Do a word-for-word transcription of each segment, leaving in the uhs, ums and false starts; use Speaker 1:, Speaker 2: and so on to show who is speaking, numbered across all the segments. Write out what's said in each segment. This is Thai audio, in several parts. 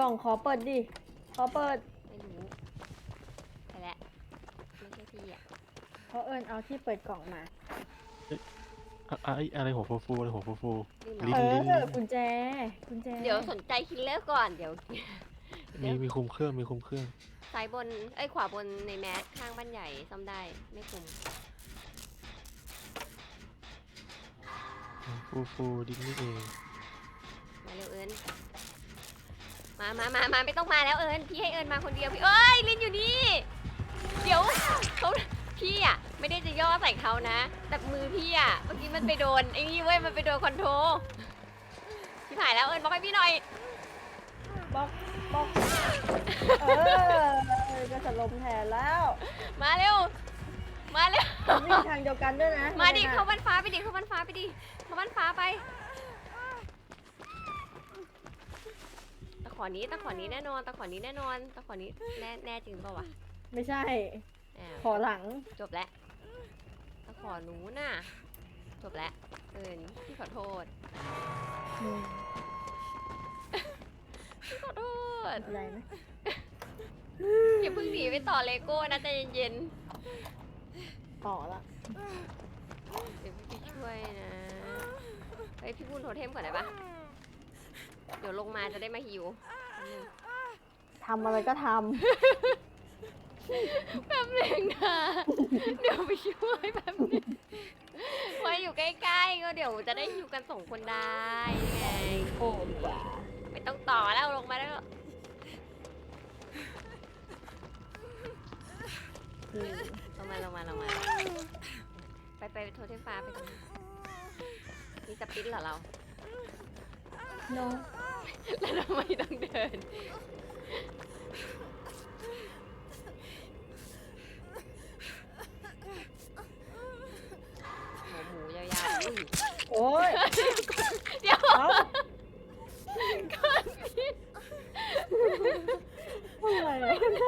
Speaker 1: องขอเปิดดิขอเปิด
Speaker 2: ไม่รู้ไปแล้วไม่ใช่พี่อ่ะ
Speaker 1: เพราะเอิญเอาที่เปิดกล่องมา
Speaker 3: อะอะอะไรหัวฟูฟูอะไรหัวฟูฟู
Speaker 2: ลิ้น
Speaker 1: เอ
Speaker 3: ลิ้นลิ้นลิ้น
Speaker 1: อกุญแจกุญแจ
Speaker 2: เดี๋ยวสนใจคิลเลอร์ก่อนเดี๋ยว
Speaker 3: มีมีคุมเครื่องมีคุมเครื่อง
Speaker 2: ซ้ายบนเอ้ยขวาบนในแมสข้างบ้านใหญ่ซ่อมได้ไม่คุม
Speaker 3: ฟูฟูดิ้นนี่เอง
Speaker 2: มาเร็วเอิญมามามามาไม่ต้องมาแล้วเอิญพี่ให้เอิญมาคนเดียวพี่เอ้ยลินอยู่นี่เดี๋ยวเขาพี่อ่ะไม่ได้จะย่อใส่เขานะแต่มือพี่อ่ะเมื่อกี้มันไปโดนไอ้นี่เว้ยมันไปโดนคอนโทรพี่ผ่ายแล้วเอิญบอกให้พี่หน่อย
Speaker 1: บล็อกบล็อกเออจะสลมแทนแล้ว
Speaker 2: มาเร็วมาเร็ว
Speaker 1: วิ่งทางเดียวกันด้วยนะ
Speaker 2: มาดิเข้าบ้านฟ้าไปดิเข้าบ้านฟ้าไปดิเข้าบ้านฟ้าไปตะขอนี้ตะขอนี้แน่นอนตะขอนี้แน่นอนตะขอนี้แน่แน่จริงเปล่าวะ
Speaker 1: ไม่ใช่
Speaker 2: อ้าว
Speaker 1: ขอหลัง
Speaker 2: จบแล้วตะขอหนูน่ะจบแล้วเอิญพี่ขอโทษ
Speaker 1: อืม
Speaker 2: พี่ขอโทษ
Speaker 1: อะไรนะ
Speaker 2: อย่าเพิ่งหนีไปต่อเลโก้นะใจเย็น
Speaker 1: ต่อละ
Speaker 2: ๆเดี๋ยวพี่ช่วยนะเฮ้ยพี่พูดโทเทมก่อนได้ปะเดี๋ยวลงมาจะได้มาฮิว
Speaker 1: ทำอะไรก็ท
Speaker 2: แป๊บหนึงนะเดี๋ยวไปช่วยแป๊บนึงไว้อยู่ใกล้ๆก็เดี๋ยวจะได้อยู่กันสองคนได้ไง
Speaker 1: ำโอ้บ้า
Speaker 2: ไม่ต้องต่อแล้วลงมาแล้ว
Speaker 1: อืม
Speaker 2: ลงมาลงมาลงมาไปไปโทรเทมฟ้าไปตรงนี้มีสปินเหรอเรา
Speaker 1: โน
Speaker 2: แล้วทำไมต้องเดินหมูหมูยาวๆอุ้ย
Speaker 1: โอ้ย
Speaker 2: เดี๋ยว
Speaker 1: เอา
Speaker 2: ก่อนพี่
Speaker 1: อะไร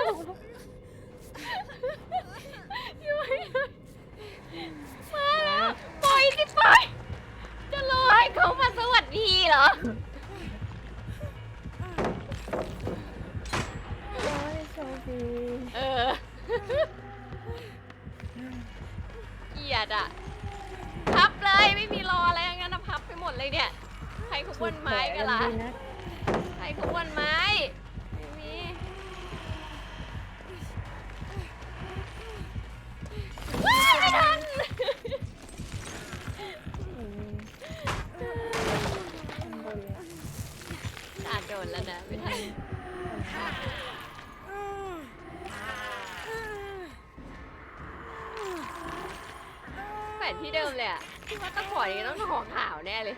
Speaker 2: อยู่ไม่ได้มาแล้วปล่อยสิปล่อยจะรอให้เขามาสวัสดีเหรอ
Speaker 1: โอ้ยโชคดี
Speaker 2: เออเกลียดอ่ะ พับเลยไม่มีรออะไรงั้นนะพับไปหมดเลยเนี่ย ใครเขาบนไม้กันล่ะ
Speaker 1: ดีนะ
Speaker 2: ใครเขาบนไม้ไม่มีว้ายไม่ทัน
Speaker 1: อืมข้างบนเลย
Speaker 2: อาจโดนแล้วนะไม่ทันแขวนที่เดิมเลยอ่ะที่ว่าตะขอนี้ต้องตะขอขาวแน่เลย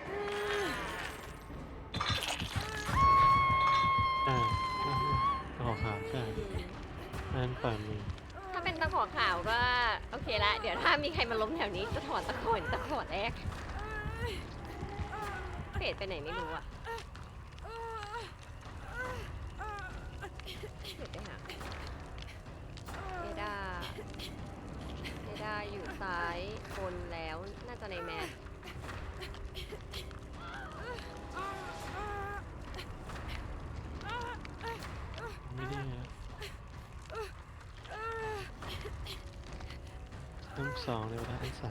Speaker 3: อ่าตะขอขาวใช่นั่นป่ามือ
Speaker 2: ถ้าเป็นตะขอขาวก็โอเคละ เดี๋ยวถ้ามีใครมาล้มแถวนี้จะถอนตะขอตะขอแรกเฟดไปไหนไม่รู้อะเฟดไปหาเอดาเอดาอยู่ซ้ายบนแล้วน่าจะในแมส
Speaker 3: ไม่ได้นะทั้งสองเลยเวลาทั้งสาม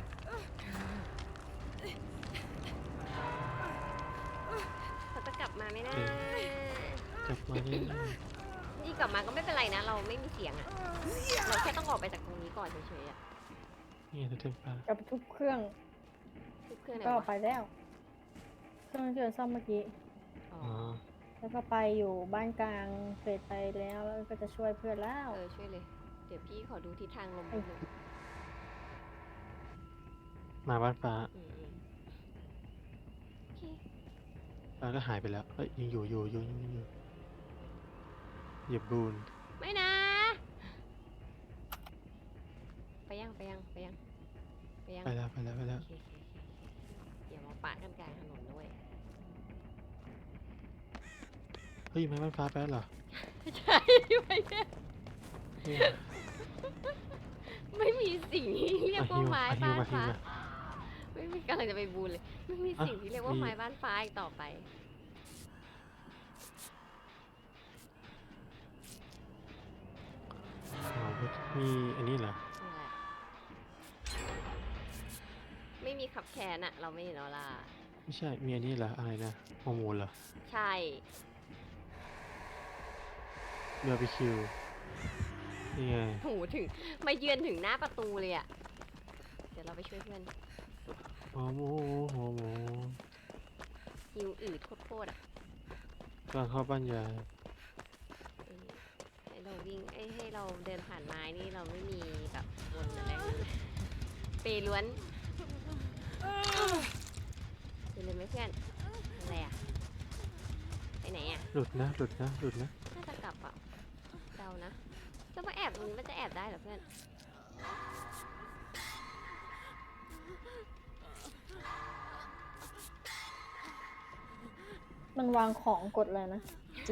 Speaker 2: เขาจะกลับมาไหมนะ
Speaker 3: กลับมานี่
Speaker 2: นี่กลับมาก็ไม่เป็นไรนะ เราไม่มีเสียงอะเราแค่ต้องออกไปจากตรงนี้ก่อนเฉยๆอะ
Speaker 3: นี่ตัวเทมฟ้า
Speaker 1: กับทุบเครื่อง
Speaker 2: ทุกเครื่องไหน
Speaker 1: ก็
Speaker 2: วะ
Speaker 1: ไปแล้ว เครื่องที่เราซ่อมเมื่อกี้
Speaker 2: อ๋อ
Speaker 3: อ๋อ
Speaker 1: แล้วก็ไปอยู่บ้านกลางเฟดไปแล้วแล้วก็จะช่วยเพื่อนแล้ว
Speaker 2: เออช่วยเลย เดี๋ยวพี่ขอดูทิศทางลมนิดนึง
Speaker 3: มาบ้านฟ้า
Speaker 2: อืมอืมโอเค
Speaker 3: ฟ้าก็หายไปแล้วเอ้ยยังอยู่อยู่อยู่ยังอยู่เหยียบบูน
Speaker 2: ไม่นะ ไปยังไปยังไปยังไปยัง
Speaker 3: ไปแล้วไปแล้วไปแล้ว
Speaker 2: โอเคโอเคโอเคเดี๋ยวมาปะกันกลางถนนด้วย
Speaker 3: เฮ้ยไม่บ้านฟ้าไปแล้วเหรอ
Speaker 2: ใช่ไปเนี่ย
Speaker 3: เฮ้ย
Speaker 2: ไม่มีสิ่งที่เรียกว่าไม้
Speaker 3: อ่ะฮิ
Speaker 2: บ้า
Speaker 3: วน มาฮิว
Speaker 2: ฟ้า
Speaker 3: มา
Speaker 2: ไม่มีกำลังจะไปบูนเลย ไม่มีสิ่งที่เรียกว่า
Speaker 3: มี
Speaker 2: ไม้บ้านฟ้าอีกต่อไป
Speaker 3: มีอันนี้เหรอ
Speaker 2: นี่แหละไม่มีขับแขนอะเราไม่เห็นออร่า
Speaker 3: ไม่ใช่ มีอันนี้เหรอ อะไรนะฮอร์โมนเหรอ
Speaker 2: ใช่
Speaker 3: เบอร์บีคิวนี่ไง
Speaker 2: โหถึงมาเยือนถึงหน้าประตูเลยอะเดี๋ยวเราไปช่วยเพื่อน
Speaker 3: ฮอร์โมนฮอร์โมน
Speaker 2: หิวอืดโคตรๆอะ
Speaker 3: กำลังเข้าบ้านยาย
Speaker 2: เออให้เราวิ่งเอ้ยให้เราเดินผ่านไม้นี่เราไม่มีแบบวนอะไรเลยเปล้วนเดินเลยไหมเพื่อนอะไรอะไปไหนอะ
Speaker 3: หลุดนะ หลุดนะ หลุดนะ
Speaker 2: น่าจะกลับอะเดานะจะมาแอบตรงนี้มันจะแอบได้เหรอเพื่อน
Speaker 1: มันวางของกดเลยนะ G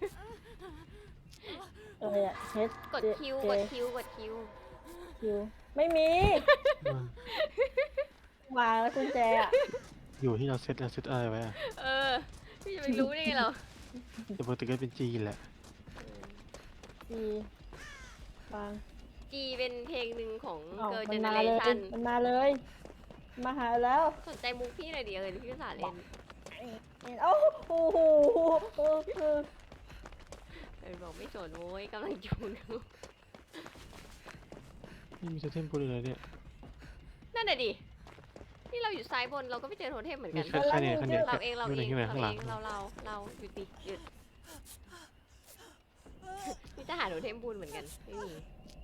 Speaker 1: อะไรอะ H
Speaker 2: กดคิว
Speaker 1: J
Speaker 2: กดคิวกดคิว
Speaker 1: Q ไม่มี
Speaker 3: มา
Speaker 1: วางแล้วกุญแจอะ
Speaker 3: อยู่ที่เราเซตเราเซตอะไรไว้อะ
Speaker 2: เออพี่จะไปรู้ได้ไงเรา
Speaker 3: แต่ปกติก็เป็นจีนแหละ
Speaker 1: G วาง
Speaker 2: จีเป็นเพลงหนึ่งของ
Speaker 1: เอ้า
Speaker 2: Girl
Speaker 1: มันมาเลย
Speaker 2: Generation
Speaker 1: มันมาเลย มาหาแล้ว
Speaker 2: สนใจมุกพี่หน่อยเดียวเลยพี่ภาษาห์เล่น
Speaker 1: โอ้โหเออเออ
Speaker 2: เออบอกไม่สนโว้ยกำลังจูนอยู่
Speaker 3: นี่มีโทเทมพูดเลยเนี่ย
Speaker 2: นั่นน่ะดินี่เราอยู่ซ้ายบนเราก็ไม่เจอโทเทมเหมือนกั
Speaker 3: นี่
Speaker 2: น
Speaker 3: ใครใครเนี่ยใครเนี่ย
Speaker 2: เราเองเรา
Speaker 3: ดูห
Speaker 2: เอ
Speaker 3: น่อย
Speaker 2: ง
Speaker 3: ขึ้นมา
Speaker 2: เรา
Speaker 3: ข้างห
Speaker 2: เอ
Speaker 3: ลัง
Speaker 2: งเราเราเราหยุดดิหยุดนี่จะหาโทเทมบูนเหมือนกันไม่มี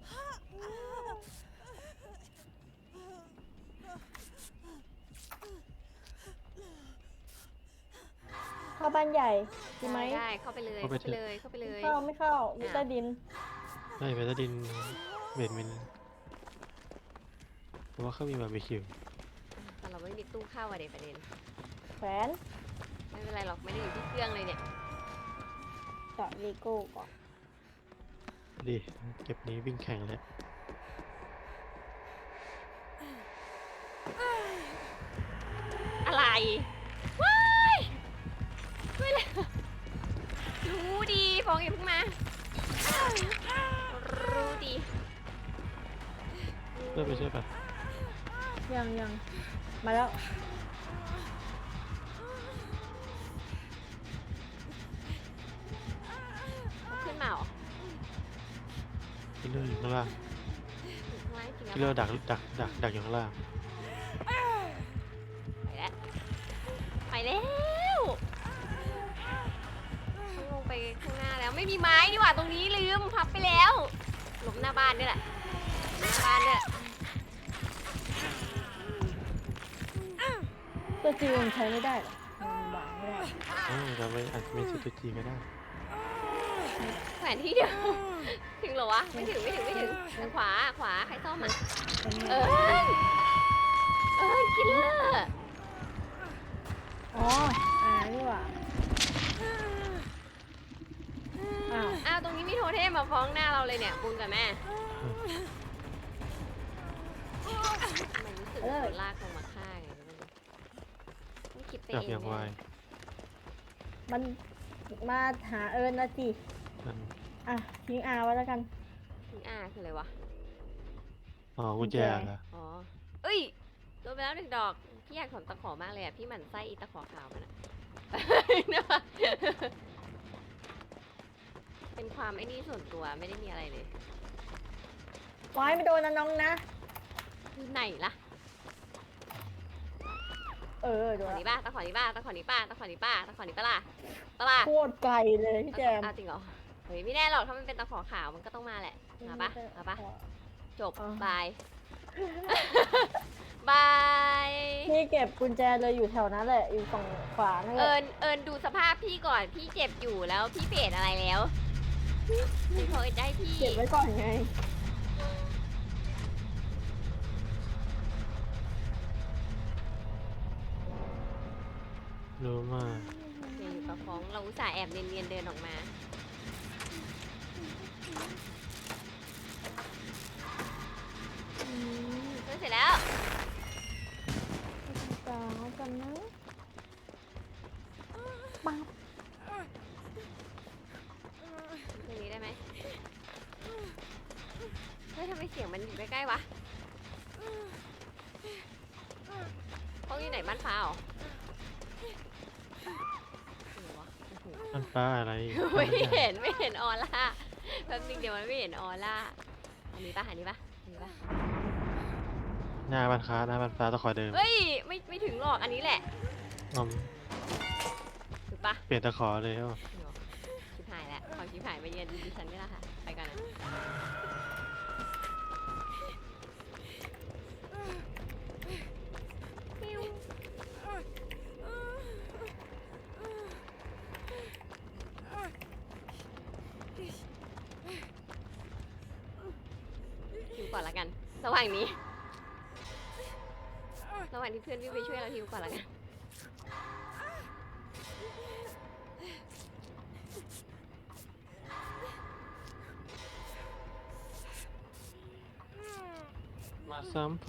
Speaker 1: เข้าบ้านใหญ่ดีไหม
Speaker 2: ได้ได้เข้าไปเลยเข้าไปเลยเข้าไปเลย
Speaker 1: เข้าไม่เข้าอยู่ใต้ดิน
Speaker 3: ได้ไปใต้ดินเบดเมนเพราะว่าเขามีบาร์บีคิว
Speaker 2: แต่เราไม่มีตู้เข้าอะเด็ประเด็น
Speaker 1: แขวน
Speaker 2: ไม่เป็นไรหรอกไม่ได้อยู่ที่เครื่องเลยเนี่ย
Speaker 1: เจาะเลโก้ก่อน
Speaker 3: ดิเก็บนี้วิ่งแข่งเลย
Speaker 2: อะไรว้ายไม่เลยรู้ดีฟองอย่าเพิ่งมารู้ดี
Speaker 3: เพื่อไปช่วยปะ
Speaker 1: ยังยังมาแล้ว
Speaker 2: ขึ้นมาเหรอ
Speaker 3: คิลเลอร์อยู่ข้างล่าง
Speaker 2: อยู่ข้างล่างจริง
Speaker 3: คิลเลอ
Speaker 2: แล้ว
Speaker 3: ร์ดักดักดักดักอยู่ข้างล่าง
Speaker 2: ไปแล้วไปแล้วต้องลงไปข้างหน้าแล้วไม่มีไม้ดีกว่าตรงนี้ลืมพับไปแล้วหลบหน้าบ้านนี่แหละหน้าบ้านเนี่ย
Speaker 1: ตัวจีมันใช้ไม่ได้หรอมันวางไม่ได้
Speaker 3: เออเราไปอาจจะมีสตูจีก็ได้
Speaker 2: แขวนที่เดียวถึงเหรอวะไม่ถึงไม่ถึงไม่ถึงทางขวาขวาใครซ่อมอ่ะเออเออคิลเลอร์
Speaker 1: อ๋ออ่านี่หว่าอ้าว
Speaker 2: อ้าวตรงนี้มีโทเทมมาฟ้องหน้าเราเลยเนี่ยบุญกับแม่ทำไมรู้สึกว่าโดนลากลงมาฆ่าไงไม่รู้ต้องคิดไป
Speaker 3: จับ
Speaker 2: เอง
Speaker 3: อย่างไว
Speaker 2: แน่
Speaker 1: มันมาหาเอิญนะสิ
Speaker 3: มัน
Speaker 1: อ่ะทิ้งอาไว้แล้วกัน
Speaker 2: ถึงอ่าคืออะไรวะ
Speaker 3: อ๋อกุญแจ
Speaker 1: กุญแจ
Speaker 3: เหรอ
Speaker 2: อ๋อเอ้ยโดนไปแล้วหนึ่งดอกพี่อยากถอนตะขอมากเลยอ่ะพี่หมั่นไส้อีตะขอขาวมันอ่ะ เนี่ยเป็นความไอ้นี่ส่วนตัวไม่ได้มีอะไรเลย
Speaker 1: ไว้ไม่โดนนะน้องนะ
Speaker 2: อยู่ไหนล่ะ
Speaker 1: เออโด
Speaker 2: ตะข
Speaker 1: น
Speaker 2: อ
Speaker 1: ละ
Speaker 2: นี้ป้าตะขอนี้ป้าตะขอนี้ป้าตะขอนี้ป้าตะขอนี้ป้าล่ะป้าล่ะ
Speaker 1: โคตรไกลเลยพี่แจม
Speaker 2: เอาจริงเหรอเฮ้ยไม่แน่หรอกถ้ามันเป็นตะขอขาวมันก็ต้องมาแหละมาปะมาปะจบบาย บาย
Speaker 1: พี่เก็บกุญแจเลยอยู่แถวนั้นแหละอยู่ฝั่งขวานั่นแห
Speaker 2: เอิ
Speaker 1: ละ
Speaker 2: ญเอิญดูสภาพพี่ก่อนพี่เจ็บอยู่แล้วพี่เปรตอะไรแล้วพี่ขอได้พี่
Speaker 1: เก็บไว้ก่อนไง
Speaker 3: รู้มาก
Speaker 2: เดี๋ยวอยู่กับฟ้องเราอุตส่าห์แอบเนียนๆเดินออกมา
Speaker 1: อืม
Speaker 2: เฮ้ยเสร็จแล้ว
Speaker 1: สาวกันนะปั๊บ
Speaker 2: ตรงนี้ได้ไหมเฮ้ยทำไมไมเสียงมันอยู่ใกล้ๆวะห้องอยู่ไหนบ้านฟ้าเหรอไหนวะโอ้โห
Speaker 3: มันฟ้าอะไร
Speaker 2: ไม่เห็นไม่เห็นออร่าแป๊บนึงเดี๋ยวมันไม่เห็นออร่าอันนี้ปะอันนี้ปะอันนี้ปะ
Speaker 3: หน้าบ้านค้าหน้าบ้านฟ้าตะขอเดิม
Speaker 2: เฮ้ยไม่ไม่ถึงหรอกอันนี้แหละ
Speaker 3: อืม
Speaker 2: ถูกปะ
Speaker 3: เปลี่ยนตะขอเลยอ่ะ
Speaker 2: ชิบหายแล้วขอชิบหายมาเยือนดิฉันไม่ละค่ะไปก่อนนะปิ้วฮิวก่อนละกันระหว่างนี้ระหว่างที่เพื่อนวิ่งไปช่วยเราฮิวก่อนละกัน
Speaker 3: มาซ้ำผม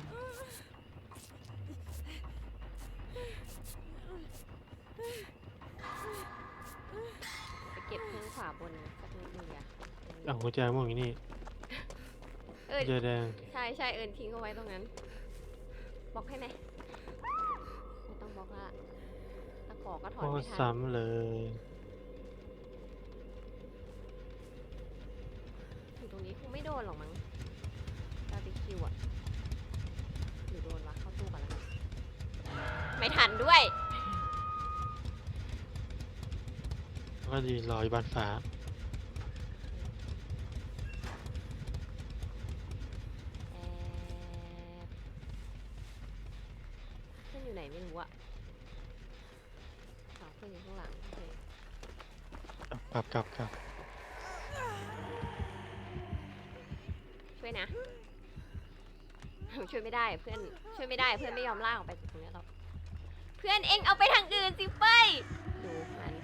Speaker 2: ไปเก็บเครื่องขวาบนสักนิดนึงอะ
Speaker 3: เอากุญแจม่วงอย่างนี้
Speaker 2: เออ
Speaker 3: กุญแจแดง
Speaker 2: ใช่ใช่เอิญทิ้งเอาไว้ตรงนั้นบล็อกให้ไหมไม่ต้องบล็อกละตะขอก็ถอน
Speaker 3: โอ้
Speaker 2: ไม่ทัน
Speaker 3: ซ้ำเลย
Speaker 2: อยู่ตรงนี้คงไม่โดนหรอกมั้งบาร์บีคิวอะหรือโดนวะเข้าตู้ก่อนแล้วกันไม่ทันด้วย
Speaker 3: แล้วก็ยืนรออยู่บ้านฟ้า
Speaker 2: แอบเพื่อนอยู่ไหนไม่รู้อะอ๋อเพื่อนอยู่ข้างหลังโอเค
Speaker 3: กลับกลับกลับ
Speaker 2: ช่วยนะ ช่วยไม่ได้เพื่อนช่วยไม่ได้เพื่อนไม่ยอมลากออกไปจากตรงนี้หรอกเพื่อนเอ็งเอาไปทางอื่นสิเฟ้ยดูมัน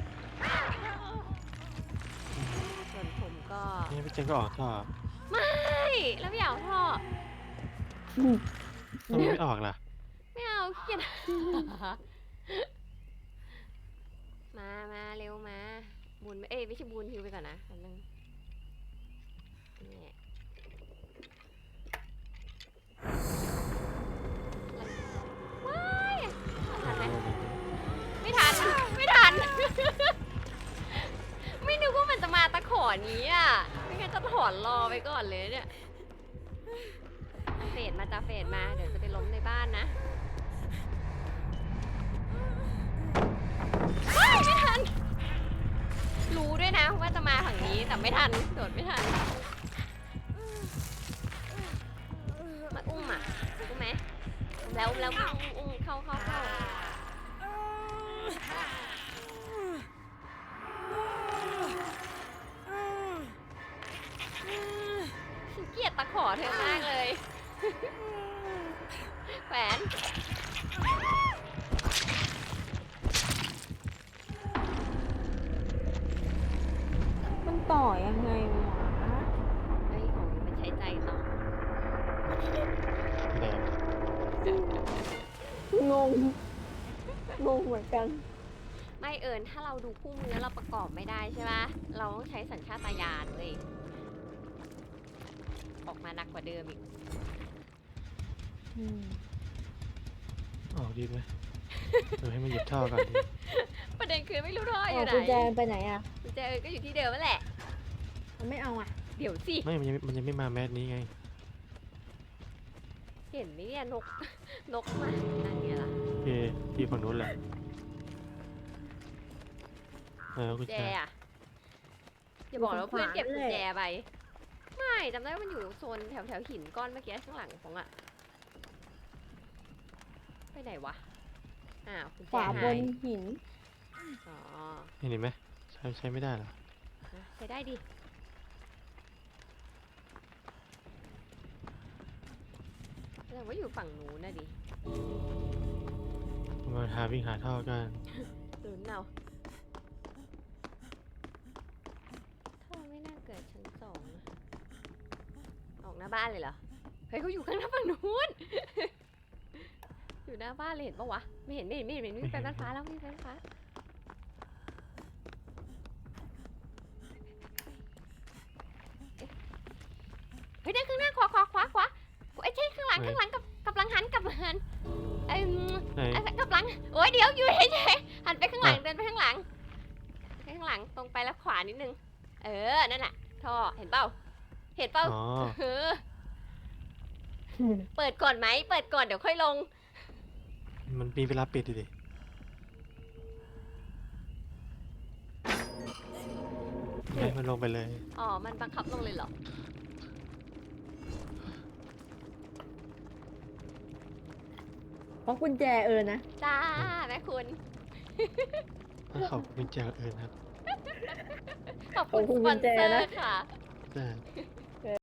Speaker 2: ส่วนผมก็
Speaker 3: นี่พี่เจนก็ออกท่อ
Speaker 2: ไม่แล้วไม่เอาท่อ
Speaker 3: ทำไมไม่ออกล่ะ
Speaker 2: ไม่เอาขี้เกียจ มามาเร็วมาบุญเอ้ยไม่ใช่บุญฮิวไปก่อนนะอันนึงนี่ว้ายทันไหมไม่ทันไม่ทัน ไม่นึกว่ามันจะมาตะขอนี้อ่ะไม่งั้นจะถอนรอไปก่อนเลยเนี่ยเฟดมาจ้าเฟดมาเดี๋ยวจะไปล้มในบ้านนะว้ายไม่ทันรู้ด้วยนะว่าจะมาฝั่งนี้แต่ไม่ทันโดดไม่ทันมาอุ้มอ่ะอุ้มไหมอุ้มแล้วอุ้มแล้วอุ้มอุ้มเข้าเข้าเข้าฉันเกลียดตะขอเธอมากเลย แหวน
Speaker 1: มันต่อยังไงวะ
Speaker 2: เฮ้ยของนี้มันใช้ใจต่อ
Speaker 3: แดง
Speaker 1: งง งงเหมือนกัน
Speaker 2: ไม่เอิญถ้าเราดูคู่มือเราประกอบไม่ได้ใช่ปะเราต้องใช้สัญชาตญาณเว้ยออกมาหนักกว่าเดิมอีก
Speaker 1: อืม
Speaker 3: ออกดีไหมเดี๋ยวให้มันหยิบท่อก่อนดี
Speaker 2: ประเด็นคือไม่รู้ท่ออ
Speaker 1: เอา
Speaker 2: ยู่ไหน
Speaker 1: กุญแจไปไหนอ่ะ
Speaker 2: กุญแจเอิญก็อยู่ที่เดิมนั่นแหละ
Speaker 1: มันไม่เอาอ่ะ
Speaker 2: เดี๋ยวสิ
Speaker 3: ไม่มันยังมันยังไม่มาแมสนี้ไง
Speaker 2: เห็นไหมเนี่ยนก นกมานั่นไงล่ะ
Speaker 3: โอเคที่ฝั่งนู้นแหละเออกุญ
Speaker 2: แจ
Speaker 3: แจ
Speaker 2: อะอย่าบอกนะว่าเพื่อนเก็บกุญแจไปไม่จำได้ว่ามันอยู่โซนแถวแถวหินก้อนเมื่อกี้ข้างหลังของอะไปไหนวะอ้าวกุญ
Speaker 1: ข
Speaker 2: แจ
Speaker 1: วาบ
Speaker 2: หาน ย
Speaker 1: หิน
Speaker 2: อ๋อ
Speaker 3: เห็นไหมใช้ใช้ไม่ได้เหรอ
Speaker 2: นะใช้ได้ดิแสดงว่าอยู่ฝั่งนู้นนะดิ
Speaker 3: มาหาวิ่งหาท่อกัน
Speaker 2: ลุ้นเอาท่อไม่น่าเกิดชั้นสองนะออกหน้าบ้านเลยเหรอ เฮ้ยเขาอยู่ข้างหน้าฝั่งนู้น อยู่หน้าบ้านเลยเห็นปะวะ ไม่เห็นไม่เห็นไม่เห็นไม่เห็นวิ่งไปบ้านฟ้าแล้ววิ่งไปบ้านฟ้าเอ๊ะเฮ้ยนั่นข้างหน้าขอดี๋ยวอยู่เฉยๆหันไปข้างหลังเดินไปข้างหลังไปข้างหลังตรงไปแล้วขวานิดนึงเออนั่นแหละท่อเห็นเปล่าเห็นเปล่า
Speaker 3: อ๋อ
Speaker 2: เออเปิดก่อนไหมเปิดก่อนเดี๋ยวค่อยลง
Speaker 3: มันมีเวลาปิดดิดิไม่มันลงไปเลย
Speaker 2: อ๋อมันบังคับลงเลยเหรอ
Speaker 1: เพราะกุญแจเออนะ
Speaker 2: จ้าแม่คุณ
Speaker 3: ขอบคุณจากเอิญครับ
Speaker 2: ขอบคุณสปอนเซอร์ค่ะ
Speaker 3: แต่